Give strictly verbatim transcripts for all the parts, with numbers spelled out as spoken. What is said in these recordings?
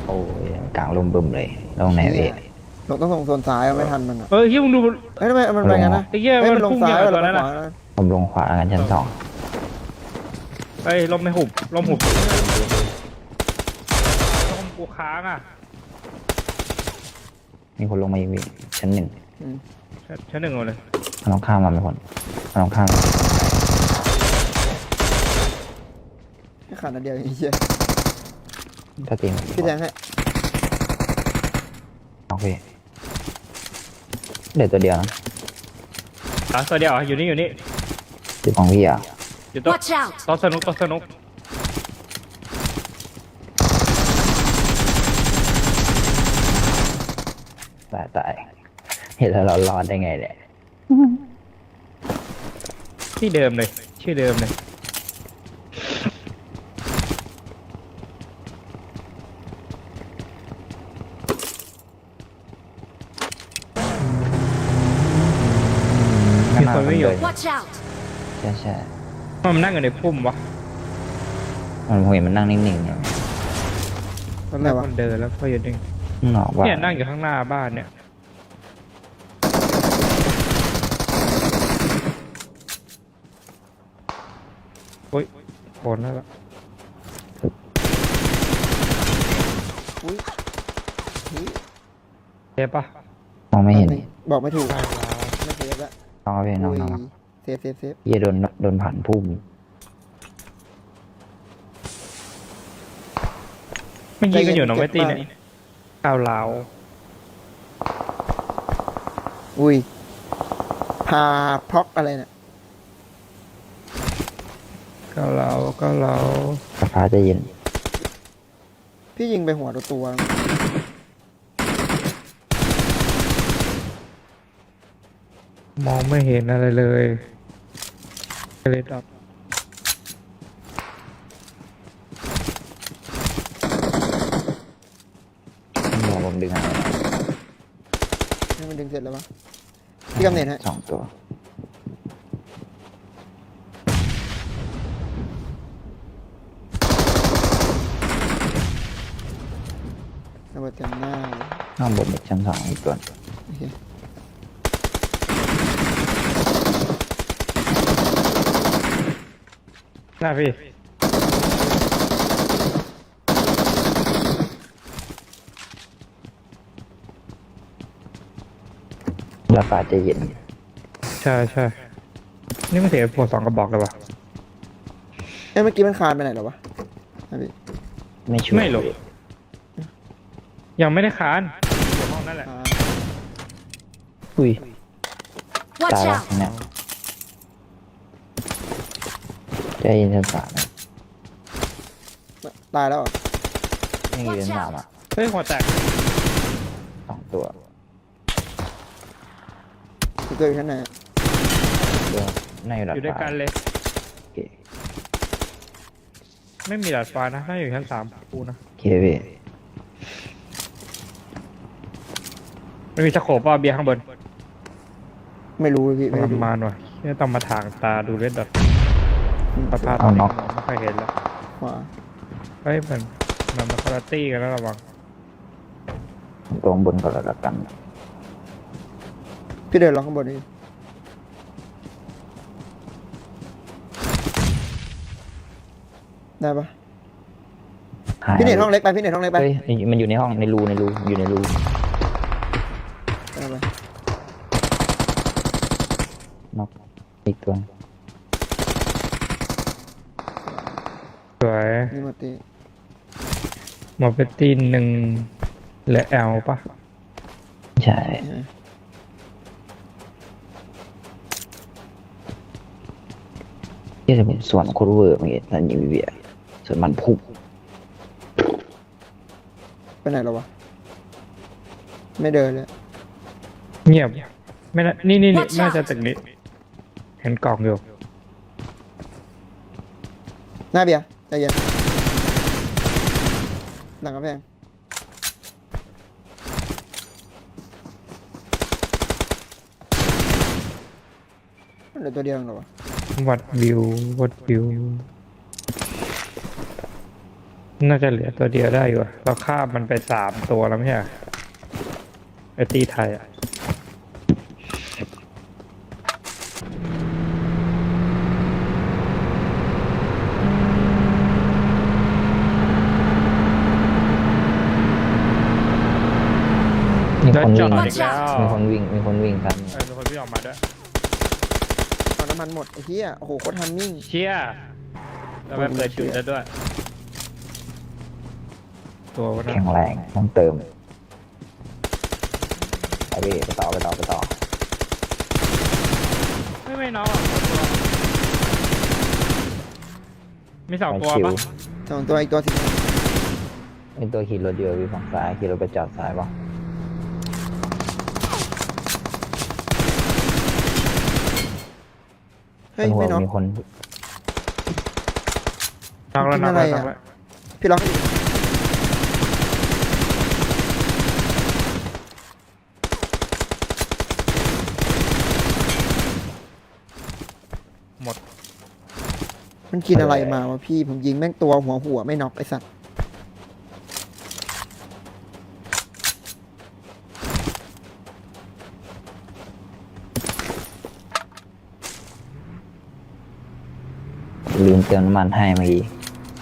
อ้ยกลางลมบึมเลยลงไหนเอะเราต้องส่งโซนซ้ายไม่ทันมันอ่ะเออเฮียมึงดูเฮ้ยทำไมมันไปงั้นนะไอ้เหี้ยเฮ้ยมัมันนลงพุ่งซ้ายอย่างเราตอนไปนั้นขน่ะวานะผมลงขวากันชั้นสองเฮ้ยลมไม่หุบลมหุบลมกูค้างอ่ะมีคนลงมาอีกวิชั้นหนึ่งอืมชั้นชั้นหนึ่งเลยมันต้องข้ามมาไม่พ้นมันต้องข้ามมาแค่ขาดนัดเดียวไอ้เหี้ยถ้าตีมพี่แทงให้โอเคเหลือตัวเดียวนะอ่ะตัวเดียวอ่ะอยู่นี่อยู่นี่จุดของพี่อ่ะอยู่โต๊ะ Watch out! โต๊ะสนุกโต๊ะสนุกตายตายเห็นแล้วเรารอดได้ไงเนี่ยที่เดิมเลยชื่อเดิมเลยมีคนไม่อยู่ Watch out! ใช่ใช่มันนั่งอยู่ในพุ่มวะมันผมเห็นมันนั่งนิ่งๆเนี่ยทำไมวะมันเดินแล้วก็อยู่นิ่งข้างนอกว่าเนี่ยนั่งอยู่ข้างหน้าบ้านเนี่ยโอ้ยโคนแล้วล่ะอุ้ยเฮ้ยเจ็บปะมองไม่เห็นบอกไม่ถูกไม่เซฟละน้องเอาไปน้องอุ้ยน้องเซฟเซฟเซฟเหี้ยโดนโดนผ่านพุ่มไม่ยิงกันอยู่หนองไม่ตีเนี่ยก้าวเหลาอุ้ยพาพ็อกอะไรเนี่ยก้าวเหลาก้าวเหลาฟ้าจะเย็นพี่ยิงไปหัวตัวตัวมองไม่เห็นอะไรเลยเลยดับมองผมดึงอะไรให้มันดึงเสร็จแล้วปะพี่กำเนิดฮะสองตัวระเบิดเต็มหน้าเลยข้างบนอีกชั้นสองอีกตัวโอเคหน้าพี่แล้วฟ้าจะเย็นใช่ใช่นี่มันเสียปวดสองกระบอกเลยวะเอ้ยเมื่อกี้มันคานไปไหนเหรอวะอ่ะพี่ไม่ช่วยไม่หรอกยังไม่ได้คานอยู่ห้องนั่นแหละอ่าอุ้ย Watch ตายแล้ว out! เนี่ยใจเย็นชั้นสามนะตายแล้วเหรอไม่มีชั้นสามอ่ะเฮ้ยหัวแตกสองตัวตัวตัวอยู่ชั้นไหนอะตัวในระดับอยู่ด้วยกันเลยโอเคไม่มีดาดฟ้านะน่าอยู่ชั้นสามกูนะโอเคพี่ไม่มีสโคปป่ะเบียร์ข้างบนไม่รู้พี่ปไม่ระรู้มาณว่ะเนี่ยต้องมาถางตาดูเล่นดอทอืมสภาพตอนนี้ไม่ค่อยเห็นแล้วขวาเฮ้ยมันมันมาคอร์ตี้กันแล้วระวังตัวข้างบนก็แล้วกันพี่เดินลงข้างบนนี่ได้ปะหายพี่เน็ตห้องเล็กไปพี่เน็ตห้องเล็กไปเฮ้ยมันอยู่ในห้องในรูในรูอยู่ในรูเอาไปนอกอีกตัวสวยนี่มาตีหมอเปตตีนหนึ่งและแอลป่ะใช่ที่จะเป็นส่วนโคตรเวอร์เมื่อกี้นั่นยิงเบียร์ส่วนมันพุ่งไปไหนแล้ววะไม่เดินเลยเงียบไม่น่านี่นี่นี่ Watch out น่าจะตึกนี้ เห็นกล่องอยู่หน้าเบียร์ใจเย็นหลังกระแพงเหลือตัวเดียวเองเหรอวะวัดวิววัดวิวน่าจะเหลือตัวเดียวได้อยู่อะเราฆ่ามันไปสามตัวแล้วไม่ใช่เหรอไอตีไทยอ่ะมีแล้วคนจอวิ่งดอีกแล้วมีคนวิ่งมีคนวิ่งกันเออมีคนพี่งออกมาด้วยเอาน้ำมันหมดไอ้เหี้ยโอ้โหโคตรทันมิ่งเชี่ยแล้วไม่เปิดจุดแล้วด้วย ตัววันนั้แข็นงแรงต้องเติมไปพี่ไปต่อไปต่อไปต่อไม่ไม่น้องหรอกตัวมีสองตัวคิวปะสองตัวอีกตัวสิไอตัวขี่รถเดียวพี่ฝั่งซ้ายขี่รถไปจอดซ้ายป่ะเฮ้ยบนหัวไม่น็อกมีคนน้องแล้วกินน้องอะไรแล้วน้อ่ะองแล้วพี่ล็อกให้ดิหมดมันกินอะไรมาวะพี่ผมยิงแม่งตัวหัวหัวไม่น็อกไอ้สัตว์ลืมเติมน้ำมันให้เมื่อกี้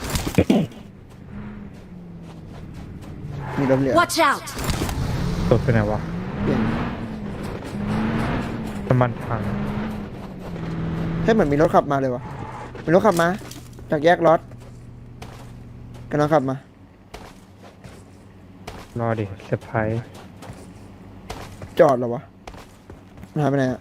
มีรถเหลือ Watch out! ตัวเป็นไงวะเปลี่ยนน้ำมันพังให้เหมือนมีรถขับมาเลยวะมีรถขับมา จากแยกรถกำลังขับมารอดิเซอร์ไพรส์จอดเหรอวะมันหายไปไหนอะ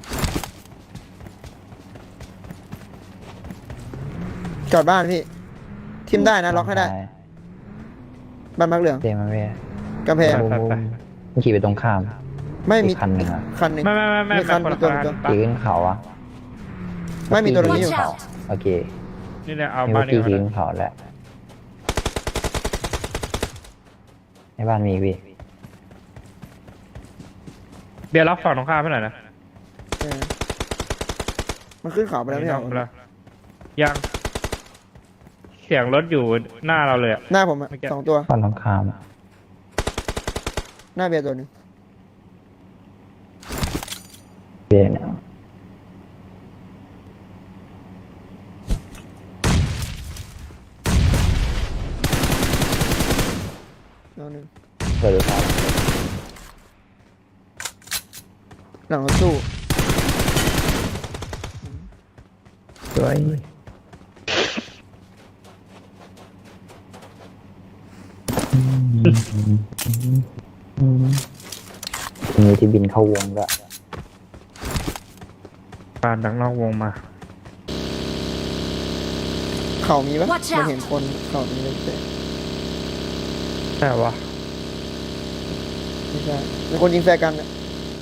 จอดบ้านพี่ ทิมได้นะล็อกให้ได้ บ้านมักเหลืองเจมันไม่กำแพงไปไปไปมันขี่ไปตรงข้ามไม่มีอีกคันหนึ่งอะคันหนึ่งไม่ไม่ไม่ไม่มีคันคนมีละตัวคันมีตัวปะขี่ขึ้นเขาอะไม่มีตัวตรงนี้อยู่ Watch out โอเคนี่เนี่ยเอามีบ้าว่าน ขี่นี้ขี่ก่อนขึ้นเขาแหละในบ้านมีพี่เบียร์รับฝั่งตรงข้ามให้หน่อยนะเออมันขึ้นเขาไปแล้วไม่นี่ใช่น้องเหรอแล้วยังเสียงรถอยู่หน้าเราเลยอะหน้าผมอะเมื่อกี้สองตัวฝั่งตรงข้ามหน้าเบียร์ตัวหนึ่งเบียร์เนี่ยตัวหนึ่งเปิดดูครับหลังรถตู้สวยมีที่บินเข้าวงด้วยปานดังนอกวงมาเขามีปะ Watch มัน out เห็นคนเขามีเลยแต่ใช่วะไม่ใช่เป็นคนยิงแฟร์กันอะ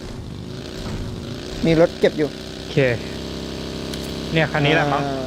มีรถเก็บอยู่โอเค เนี่ยคันนี้แหละมั้งอ่า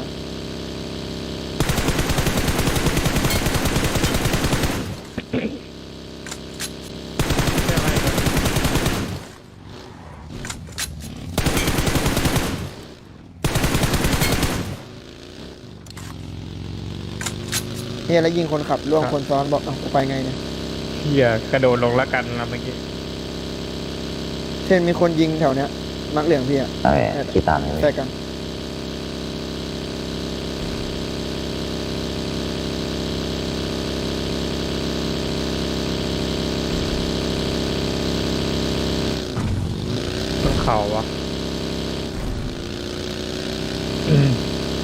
เนี่ยแล้วยิงคนขับล่วงคนซ้อนบอกเอ้ากูไปไงเนี่ยเฮียกระโดดลงแล้วกันนะเมื่อกี้เช่นมีคนยิงแถวเนี้ยมักเหลืองพี่อะเอาไปขี่ตามเลยแฟร์กันบนเขาวะอืม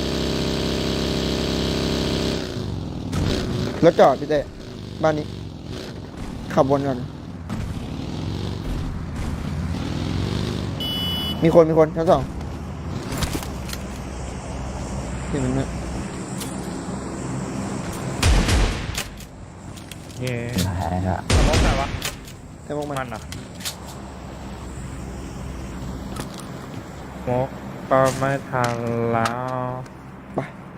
รถจอดพี่เต้บ้านนี้ ขับวนก่อน มีคนมีคนชั้นสองเห็นมันไหมเย่หายละสมองไหนวะแต่พวกมันมันเหรอ่ะมกก็ไม่ทันแล้วไป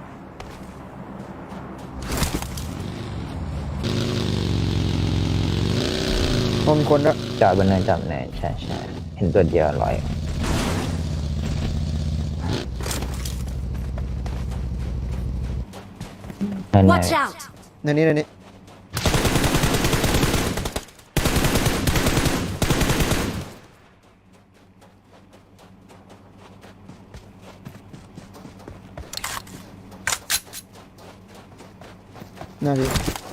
พอมีคนแล้วจอดบนเนินจอดบนเนินใช่ใช่เห็นตัวเดียวลอยเนินไหน Watch out! ในนี้ในนี้น่าดี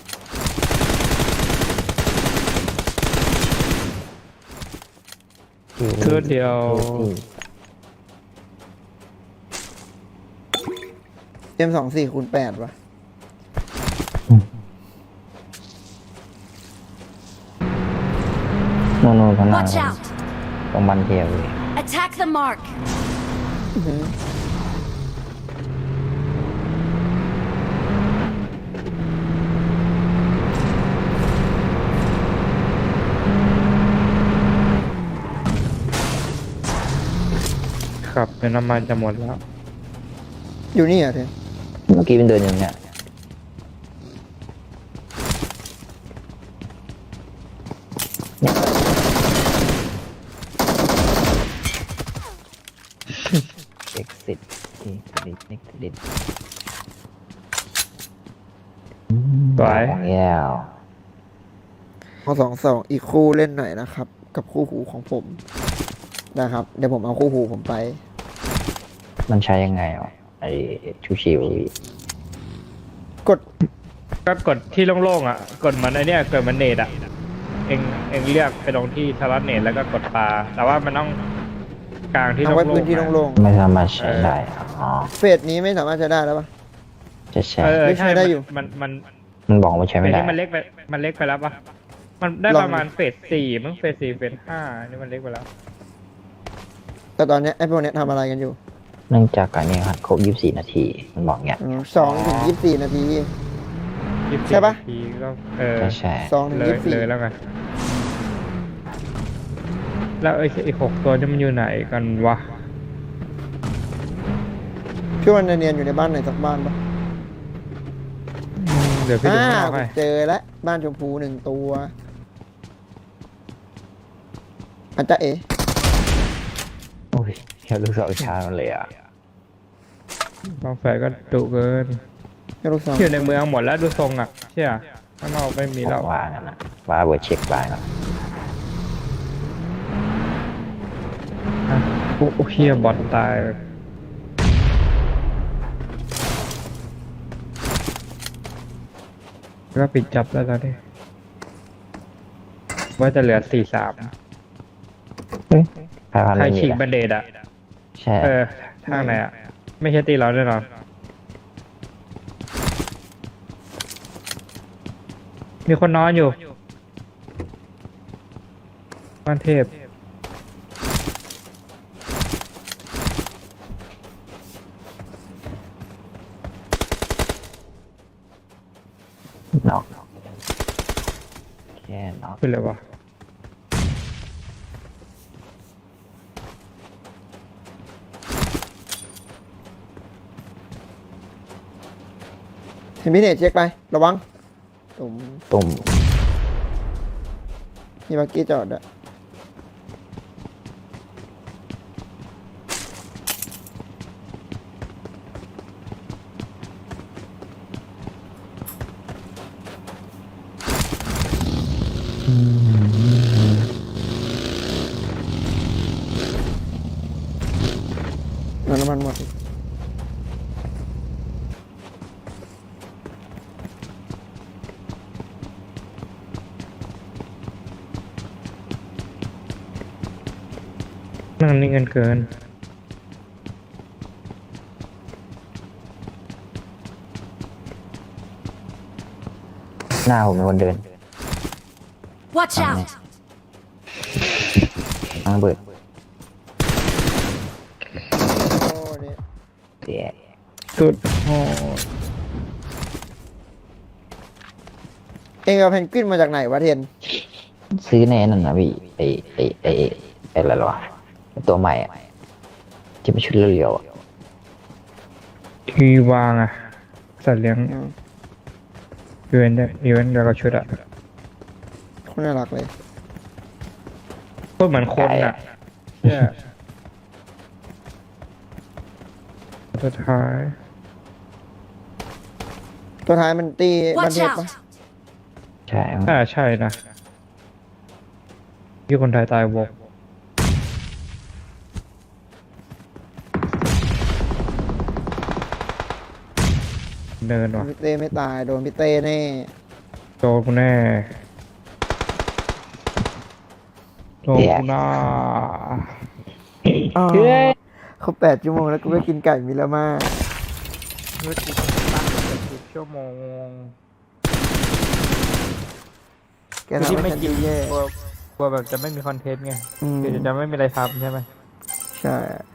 ชุดเดียวเอ็มสองสี่คูณแปดวะโน่นโน่นข้างหน้า Watch out! ตรงบันเทียวเลย Attack the mark! อื้อหือครับเดี๋ยวน้ำมันจะหมดแล้วอยู่นี่เหรอ่ะเทนเมื่อกี้เป็นเดินอย่างเนี้ย เอ็กซิสนี่ดิเอ็กซิสสวยของแย่วเอาสองสองอีกคู่เล่นหน่อยนะครับ กับคู่หูของผมนะครับ เดี๋ยวผมเอาคู่หูผมไปมันใช้ยังไงอ่ะไอชูชิวกดก็กดที่โล่งๆอ่ะ กดเหมันไอเนี้ยเกิดมันเนตอ่ะ เองเองเลือกไปลงที่สล็อตเนตแล้วก็กดปลาแต่ว่ามันต้องกลางที่เอาโล่ไว้งๆพื้นที่อะโล่งไม่สามารถใช้ได้อ๋อๆเฟสนี้ไม่สามารถใช้ได้แล้วปะจะใช้เออไม่ใช่ใช่ได้อยู่มันมันมันบอกว่าใช้มันไม่ได้นี่มันเล็กไปมันเล็กไปแล้วปะมันได้ลองประมาณเฟสสี่มั้งเฟสสี่เฟสห้านี่มันเล็กไปแล้วแต่ตอนเนี้ยไอ้พวกเนี้ยทำอะไรกันอยู่เนื่องจากการนี้ครับครบยี่สิบสี่นาที มันบอกเงี้ยสองถึงยี่สิบสี่นาทียี่สิบใช่ปะนาทีก็เออใช่ใช่สองถึงเลยยี่สิบสี่เลยแล้วไงแล้วไอ้ไอ้หกตัวนี่มันอยู่ไหนกันวะพี่วันเนียนอยู่ในบ้านไหนสักบ้านปะอืมเดี๋ยวพี่ดูอ่าข้างนอกให้เจอแล้วบ้านชมพูหนึ่งตัวอาจจะเอ๋โอ้ยแค่ลูกศรชาร์จมันเลยอ่ะบางแฝดก็ดุเกินให้ลูกสาวอยู่ในเมืองหมดแล้วดูทรงอ่ะเชื่อข้างนอกไม่มีแล้วว่ากันนะว่าเบอร์เช็คบ้างนะอ่ะโอ้โหเฮียบอทตายก็ปิดจับแล้วตอนนี้ว่าจะเหลือสี่สามใครพันใครไม่มีฉีกนะบันเดดอ่ะใช่เออทางไหนอ่ะ ไม่ใช่ตีเราแน่นอน มีคนนอนอยู่บ้านเทพน็อกแค่น็อกเป็นเลยวะเห็นพี่เนตเช็คไป ระวังตุ่มตุ่มมีบักกี้จอดอะเอาน้ำมันหมดอีกนั่งนิ่งกันเกินหน้าผมเป็นคนเดิน Watch out! ทางเบิดโอ้เนี่ยเสียสุดโหดเองเอาเพนกวินมาจากไหนวะเทนซื้อในนั่นนะพี่ไอไอไอไอ้ไออะไรหรอวะไอ้ตัวใหม่อะที่เป็นชุดเรียวๆอะทีวางอ่ะ สัตว์เลี้ยงอืมอีเวนต์เนี่ยอีเวนต์แล้วก็ชุดอ่ะคนน่ารักเลยพูดเหมือนคนอ่ะเนี่ยสุดท้ายตัวท้ายมันตีบัน Watch เทปปะ out! ใช่มั้งอ่าใช่นะที่คนไทยตายวงเนินว่ะพี่เต้ไม่ตายโดนพี่เต้แน่โดนกูแน่โดนกูน่าอ้าวเฮ้ยเขาแปดชั่วโมงแล้วกูก็กินไก่มิลาม่าเมื่อกี้ตั้งเกือบสิบชั่วโมงแกทำให้ฉันดูแย่กลัวกลัวแบบจะไม่มีคอนเทนต์ไงอืมคือจะไม่มีอะไรทำใช่ไหมใช่